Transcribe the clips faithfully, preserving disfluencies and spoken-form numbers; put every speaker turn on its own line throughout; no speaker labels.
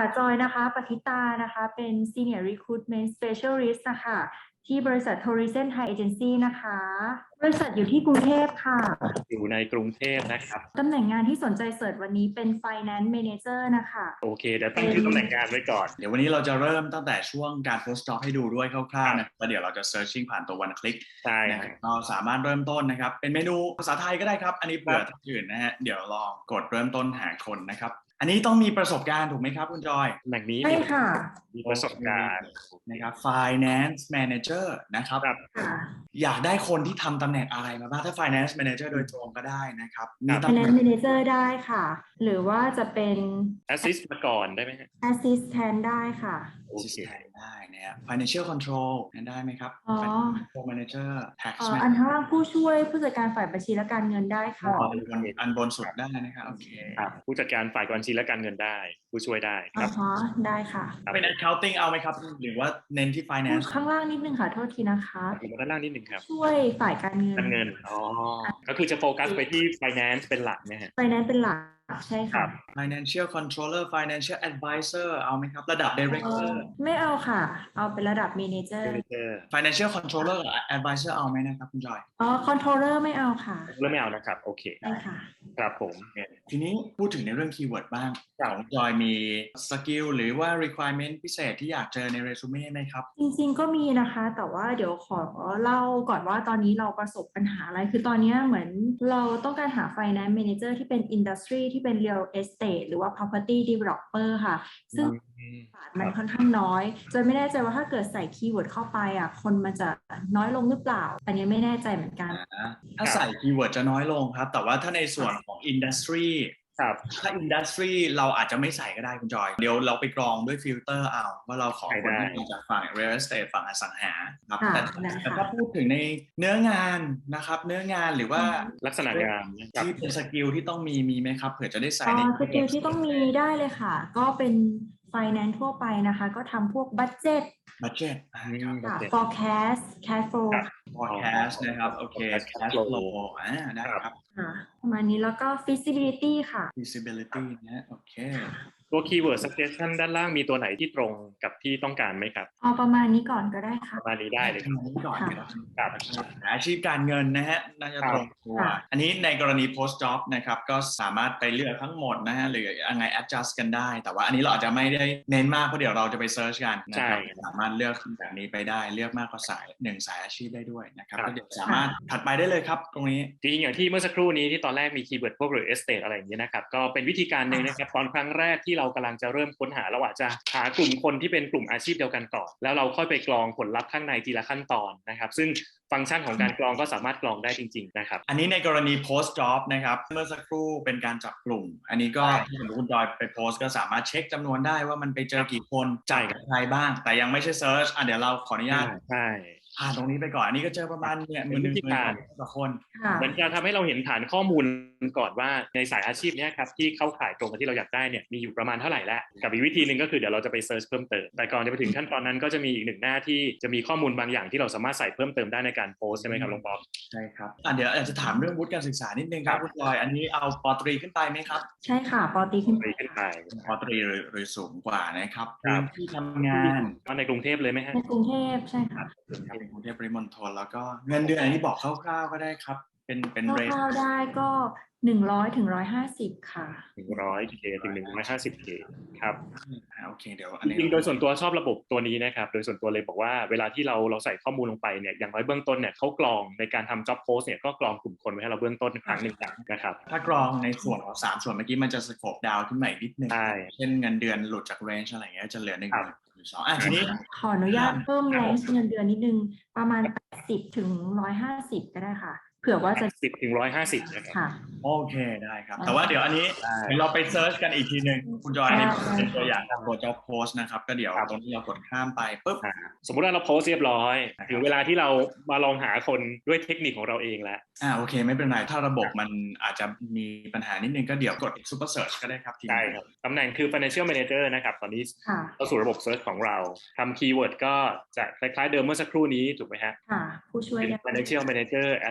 จอยนะคะปฏิตานะคะเป็น Senior Recruitment Specialist นะคะที่บริษัท Horizon Thai Agency นะคะบริษัทอยู่ที่กรุงเทพค่ะ
อยู่ในกรุงเทพนะครับ
ตำแหน่งงานที่สนใจเสิร์ชวันนี้เป็น Finance Manager นะคะ
โอเคเดี๋ยวตั้งชื่อตำแหน่งงานไว้ก่อน
เดี๋ยววันนี้เราจะเริ่มตั้งแต่ช่วงการ post job ให้ดูด้วยคร่าวๆนะแล้วเดี๋ยวเราจะ searching ผ่านตัว one click
ใช่
นะครับเราสามารถเริ่มต้นนะครับเป็นเมนูภาษาไทยก็ได้ครับอันนี้เผื่อท่านอื่นนะฮะเดี๋ยวลองกดเริ่มต้นหาคนนะครับอันนี้ต้องมีประสบการณ์ถูกไหมครับคุณจอย
ตำแหน่งนี้
ใช่ค่ะ
มีประสบการณ์
นะครับ finance manager นะครับอยากได้คนที่ทำตำแหน่งอะไรมาบ้างถ้า finance manager โดยตรงก็ได้นะครับ
มี finance manager ได้ค่ะหรือว่าจะเป็น
assist มาก่อนได้ไหมฮะ
assist แทนได้ค่ะ
โอเค
ได้นะฮะ financial control ได้ไหมครับ financial manager tax
อันข้างล่างผู้ช่วยผู้จัดการฝ่ายบัญชีและการเงินได้ค่ะ
อันบนสุดได้นะครับโอเค
ผู้จัดการฝ่ายบัญชีและการเงินได้ผู้ช่วยได้ครับ
อ๋อได้ค่ะ
เป็น accounting เอาไหมครับหรือว่าเน้นที่ finance
ข้างล่างนิดนึงค่ะโทษทีนะคะ
ด้านล่างนิดนึงครับ
ช่วยฝ่ายการเงิน
การเงินอ๋อก็คือจะโฟกัสไปที่ finance เป็นหลักนะฮะ
finance เป็นหลักใช่ค่ะ
financial controller financial advisor เอาไหมครับระดับ director
ไม่เอาค่ะเอาเป็นระดับ manager
financial controller advisor เอาไหมนะครับคุณจอย
อ๋อ controller ไม่เอาค่ะ
เริ่มไม่เอานะครับโอเค
ได้ค่ะ
ครับผม
ทีนี้พูดถึงในเรื่องคีย์เวิร์ดบ้างของจอยมีสกิลหรือว่า requirement พิเศษที่อยากเจอในเรซูเม่ไหมครับ
จริงๆก็มีนะคะแต่ว่าเดี๋ยวขอเล่าก่อนว่าตอนนี้เราประสบปัญหาอะไรคือตอนนี้เหมือนเราต้องการหา finance manager ที่เป็น industry ที่เป็น real estate หรือว่า property developer ค่ะซึ่งมันค่อนข้างน้อยจนไม่แน่ใจว่าถ้าเกิดใส่คีย์เวิร์ดเข้าไปอ่ะคนมันจะน้อยลงหรือเปล่าอันนี้ไม่แน่ใจเหมือนกัน
ถ้าใส่คีย์เวิร์ดจะน้อยลงครับแต่ว่าถ้าในส่วนของ industry
ครับ
ถ้าอินดัสทรีเราอาจจะไม่ใส่ก็ได้คุณจอยเดี๋ยวเราไปกรองด้วยฟิลเตอร์เอาว่าเราขอคนที่มาจากฝั่ง real estate ฝั่งอสังหาครับแต่แต่ถ้าพูดถึงในเนื้องานนะครับเนื้องานหรือว่า
ลักษณะงาน
ที่เป็นสกิลที่ต้องมีมีไหมครับเผื่อจะได้ใส่ใน
สกิลที่ต้องมีได้เลยค่ะก็เป็น finance ทั่วไปนะคะก็ทำพวก budget
budget
ค่ะ forecast cash flow
forecast นะครับโอเค cash flow อ่าได้ครับ
ประมาณนี้แล้วก็ feasibility ค่ะ
feasibility นะโอเค
ตัว keyword suggestion ด้านล่างมีตัวไหนที่ตรงกับที่ต้องการไหมครับ
เอาประมาณนี้ก่อนก็ได้ค่ะ
ประมาณนี้ได้เลยครับ
นี้ก่อนครับอาชีพการเงินนะฮะน่าจะตรงตัวอันนี้ในกรณี post job นะครับก็สามารถไปเลือกทั้งหมดนะฮะหรือยังไง adjust กันได้แต่ว่าอันนี้เราอาจจะไม่ได้เน้นมากเพราะเดี๋ยวเราจะไป search กันนะครับสามารถเลือกแบบนี้ไปได้เลือกมากกว่าสายหนึ่งสายอาชีพได้ด้วยนะครับก็เดี๋ยวสามารถถัดไปได้เลยครับตรงนี้
จริงๆอย่างที่เมื่อสักครู่นี้ที่ตอนแรกมี keyword พวก real estate อะไรอย่างเงี้ยนะครับก็เป็นวิธีการนึงนะครับตอนครั้งแรกที่เรากำลังจะเริ่มค้นหาเราอาจจะหากลุ่มคนที่เป็นกลุ่มอาชีพเดียวกันก่อนแล้วเราค่อยไปกรองผลลัพธ์ข้างในทีละขั้นตอนนะครับซึ่งฟังก์ชันของการกรองก็สามารถกรองได้จริงๆนะครับ
อันนี้ในกรณี post job นะครับเมื่อสักครู่เป็นการจับกลุ่มอันนี้ก็ที่ผมคุณจอยไปโพสก็สามารถเช็คจำนวนได้ว่ามันไปเจอกี่คนจ่ายกับใครบ้างแต่ยังไม่ใช่ search อ่ะเดี๋ยวเราขออนุญาต
ใช่
ผ่านตรงนี้ไปก่อนอันนี้ก็เจอประมาณเนี่ยหมื่นหนึ่งหมื่นต่อคน
เหมือนจะทำให้เราเห็นฐานข้อมูลก่อนว่าในสายอาชีพนี้ครับที่เข้าข่ายตรงกับที่เราอยากได้เนี่ยมีอยู่ประมาณเท่าไหร่แล้วกับอีกวิธีหนึ่งก็คือเดี๋ยวเราจะไปเซิร์ชเพิ่มเติมแต่ก่อนจะไปถึงขั้นตอนนั้นก็จะมีอีกหนึ่งหน้าที่จะมีข้อมูลบางอย่างที่เราสามารถใส่เพิ่มเติมได้ในการโพสใช่ไหมครับลุงป๊อป
ใช่ครับอ่ะเดี๋ยวอาจจะถามเรื่องวุฒิการศึกษานิดนึงครับคุณจอยอันนี้เอาป.ตรีขึ้นไปไหมครับ
ใช่ค่ะป.ตรีขึ้นไป
ป.ตรีหรือสูงกว่านะครับที่ทำงาน
ในกรุงเทพเลยไหมฮะ
ในกรุงเทพใช่ค่ะ
ในกรุงเทพปริมณฑลแล้วก็เงินเดือนอันนี้บอกคร่าวๆก็ได้ครับเป็นเป็นเรท
คร่าวๆได้ก็หนึ่งร้อยถึงหนึ่งร้อยห้าสิบค่ะ
หนึ่งร้อยเคถึงหนึ่งร้อยห้าสิบเคครับ
โอเคเดี๋ยว
อันนี้จริงโดยส่วนตัวชอบระบบตัวนี้นะครับโดยส่วนตัวเลยบอกว่าเวลาที่เราเราใส่ข้อมูลลงไปเนี่ยอย่างน้อยเบื้องต้นเนี่ยเขากรองในการทำ job post เนี่ยก็กรองกลุ่มคนไว้ให้เราเบื้องต้นครั้งหนึ่งนะครับ
ถ้ากรองในส่วนของสามส่วนเมื่อกี้มันจะสโคปดาวขึ้นมาอีกนิดนึงเช่นเงินเดือนหลุดจากเรนจ์อะไรเงี้ยจะเหลือหนึ่งหรือสองอ่ะทีนี้
ขออนุญาตเพิ่มเรนจ์เงินเดือนนิดนึงประมาณแปดสิบถึงหนึ่งร้อยห้าสิบก็ได้ค่ะเผื่อว่าจะ
สิบถึงหนึ่งร้อยห้าสิบนะครับ
โอเคได้ครับแต่ว่าเดี๋ยวอันนี้เราไปเซิร์ชกันอีกทีนึงคุณจอยนี่เป็นตัวอย่างของตัวจ็อบโพสนะครับก็เดี๋ยวตรงที่เรากดข้ามไปปุ๊บ
สมมุติว่าเราโพสเรียบร้อยถึงเวลาที่เรามาลองหาคนด้วยเทคนิคของเราเองแล้ว
อ่าโอเคไม่เป็นไรถ้าระบบมันอาจจะมีปัญหานิดนึงก็เดี๋ยวกด Super Search ก็ได้ครับ
ใช่ครับตำแหน่งคือ Financial Manager นะครับตอนนี้เข้าสู่ระบบ Search ของเราทำคีย์เวิร์ดก็จะคล้ายๆเดิมเมื่อสักครู่นี้ถูกไหมฮะ
ค่ะผู้ช่วย
Financial Manager Assist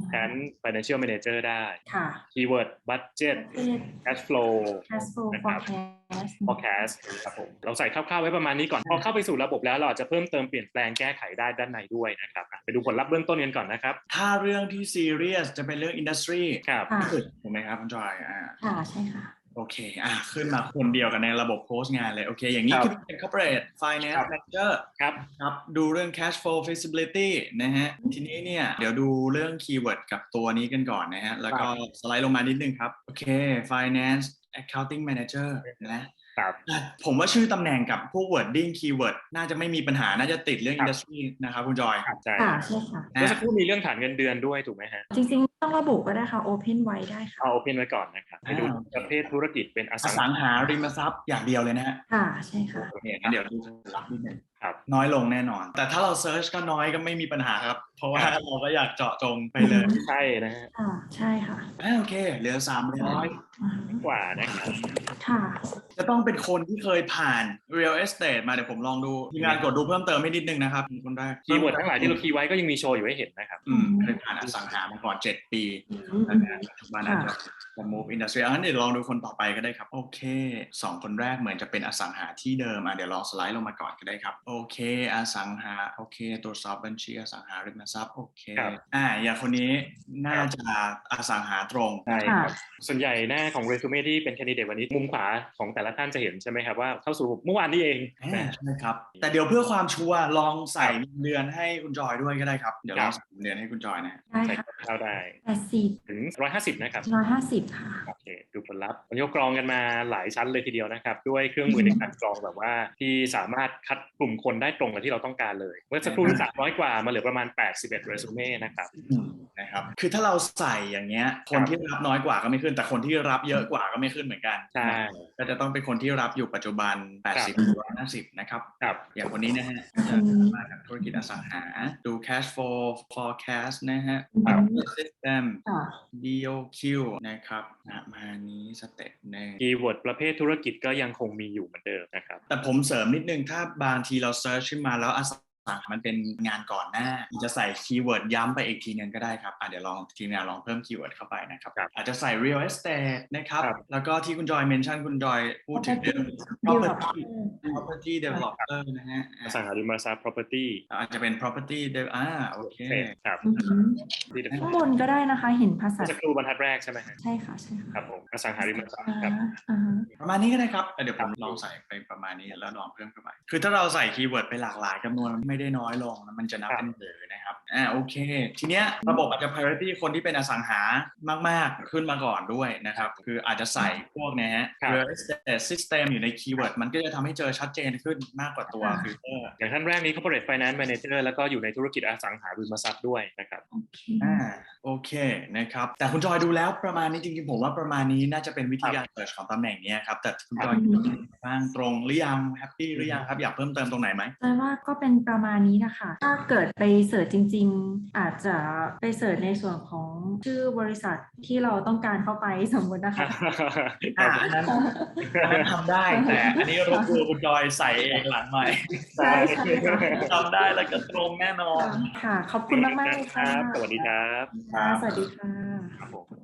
แผน financial manager ได้
ค่ะ
keyword budget cash flow
cash flow
นะครับ
forecast
forecast ครับผมเราใส่คร่าวๆไว้ประมาณนี้ก่อนพอเข้าไปสู่ระบบแล้วเราอาจจะเพิ่มเติมเปลี่ยนแปลงแก้ไขได้ด้านในด้วยนะครับไปดูผลลัพธ์เบื้องต้นกันก่อนนะครับ
ถ้าเรื่องที่ซีเรียสจะเป็นเรื่องอินดัสทรี
ครับ
ถูกไหมครับคุณจอยอ่า
ค่ะใช่ค่ะ
โอเคอ่ะขึ้นมาคนเดียวกันในระบบโพสต์งานเลยโอเคอย่างนี้คือเป็น corporate finance manager
ครับ
ครับดูเรื่อง cash flow feasibility นะฮะทีนี้เนี่ยเดี๋ยวดูเรื่อง keyword กับตัวนี้กันก่อนนะฮะแล้วก็สไลด์ลงมานิดนึงครับโอเค finance accounting manager นะผมว่าชื่อตำแหน่งกับพวก wording keyword น่าจะไม่มีปัญหาน่าจะติดเรื่อง industry นะครับคุณจอย
ใช่ค่ะใช่ค่ะเมื่อสักครู่มีเรื่องฐานเงินเดือนด้วยถูกไหมฮะ
จริงๆต้องระบุก็ได้ค่ะ open ไว้ได้ค่ะ
เอา open ไว้ก่อนนะครับไปดูประเภทธุรกิจเป็นอสั
งหาริมทรัพย์อย่างเดียวเลยนะฮะ
ค่ะใช่ค่ะ
โอเคงั้นเดี๋ยวดูรับนิดนึงน้อยลงแน่นอนแต่ถ้าเราเซิร์ชก็น้อยก็ไม่มีปัญหาครับเพราะว่าเราก็อยากเจาะจงไปเลย
ใช่นะฮะ
ใช่ค่ะ
โอเคเหลือสามร้อย
กว่านะครับ
ค่ะ
จะต้องเป็นคนที่เคยผ่าน real estate มาเดี๋ยวผมลองดูทีมงานกดดูเพิ่มเติมให้นิดนึงนะครับคนแรก
คีย์เวิร์ดทั้งหลายที่เราคีย์ไว้ก็ยังมีโชว์อยู่ให้เห็นนะครับ
อืมเคยผ่านอสังหามาก่อนเจ็ดปีแล้วก็ปัจจุบันอาจจะจะ move industry งั้นเดี๋ยวลองดูคนต่อไปก็ได้ครับโอเคสองคนแรกเหมือนจะเป็นอสังหาที่เดิมอ่ะเดี๋ยวลองสไลด์ลงมาก่อนก็ได้ครับโอเคอสังหาโอเคตรวจสอบบัญชีอสังหาริมทรัพย์โอเคอ่าอย่างคนนี้น่าจะอสังหาตรง
ใช่ครับส่วนใหญ่หน้าของเรซูเม่ที่เป็นแคนดิเดตวันนี้มุมขวาของแต่ละท่านจะเห็นใช่ไหมครับว่าเข้าสู่เมื่อวานนี้เอง
ใช่ครับแต่เดี๋ยวเพื่อความชัวร์ลองใส่เดือนให้คุณจอยด้วยก็ได้ครับเดี๋ยวลองใส่เดือนให้คุณจอยนะ
ใส่
เข้าได้
แปดสิบ
ถึงร้อยห้าสิบนะครับ
ร้อยห้าสิบค่ะ
โอเคดูผลลัพธ์วันนี้กรองกันมาหลายชั้นเลยทีเดียวนะครับด้วยเครื่องมือในการกรองแบบว่าที่สามารถคัดกลุ่มคนได้ตรงกับที่เราต้องการเลยเมื่อสักครู่สามร้อยกว่ามาเหลือประมาณแปดสิบเอ็ดเรซูเม่นะครับ
นะครับคือถ้าเราใส่อย่างเงี้ยคนที่รับน้อยกว่าก็ไม่ขึ้นแต่คนที่รับเยอะกว่าก็ไม่ขึ้นเหมือนกัน
ใช่
ก็จะต้องเป็นคนที่รับอยู่ปัจจุบันแปดสิบ ร้อยห้าสิบนะครับอย่างคนนี้นะฮะมาจากธุรกิจอสังหาดู cash flow forecast นะฮะ system ดี โอ คิว นะครับมานี้สเต็ปหนึ่ง
คีย์เวิร์ดประเภทธุรกิจก็ยังคงมีอยู่เหมือนเดิมนะครับ
แต่ผมเสริมนิดนึงถ้าบางทีเราเซิร์ชขึ้นมาแล้วอสังหามันเป็นงานก่อนหน้าจะใส่คีย์เวิร์ดย้ำไปอีกทีนึงก็ได้ครับอ่ะเดี๋ยวลองทีมงานลองเพิ่มคีย์เวิร์ดเข้าไปนะครับอาจจะใส่ real estate นะครับแล้วก็ที่คุณจอยเมนชั่นคุณจอยพูดถึง property property developer นะฮะ
อสังหาริมทรัพย์ property
อาจจะเป็น property อ่าโอเค
ครับ
ข้างบนก็ได้นะคะเห็นภาษา
จะครูบรรทัดแรกใช่ไหม
ใช่ค่ะใช่ค่ะ
ครับผมอสังหาริมทรัพย์ครับ
ประมาณนี้ก็ได้ครับเดี๋ยวผมลองใส่ไปประมาณนี้แล้วลองเพิ่มเข้าไปคือถ้าเราใส่คีย์เวิร์ดไปหลากหลายจำนวนไม่ได้น้อยลงมันจะนับเป็นเบอร์นะครับอ่าโอเคทีเนี้ยระบบอาจจะ priority คนที่เป็นอสังหามากๆขึ้นมาก่อนด้วยนะครับคืออาจจะใส่พวกนะฮะ real estate system อยู่ในคีย์เวิร์ดมันก็จะทำให้เจอชัดเจนขึ้นมากกว่าตัวฟิลเตอร์
อย่างท่านแรกนี้ corporate finance manager แล้วก็อยู่ในธุรกิจอสังหาริมทรัพย์ด้วยนะครับ
อ่าโอเคนะครับแต่คุณจอยดูแล้วประมาณนี้จริงๆผมว่าประมาณนี้น่าจะเป็นวิธีการเสิร์ชของตำแหน่งนี้ครับแต่คุณจอยบ้างตรงหรือยังแฮปปี้หรือยังครับอยากเพิ่มเติมตรงไหนไหม
แต่ว่าก็เป็นประมาณนี้นะคะถ้าเกิดไปเสิร์ชจริงๆอาจจะไปเสิร์ชในส่วนของชื่อบริษัทที่เราต้องการเข้าไปสมมตินะคะ
อ่าอันนั้นอันนั้นทำได้แต่อันนี้รบกวนคุณจอยใส่เองหลังใหม่
ใช่
ทำได้แล้วก็ตรงแน่นอน
ค่ะขอบคุณมากๆเลยค่ะ
สวัสดีครับ
สวัสดีค่ะ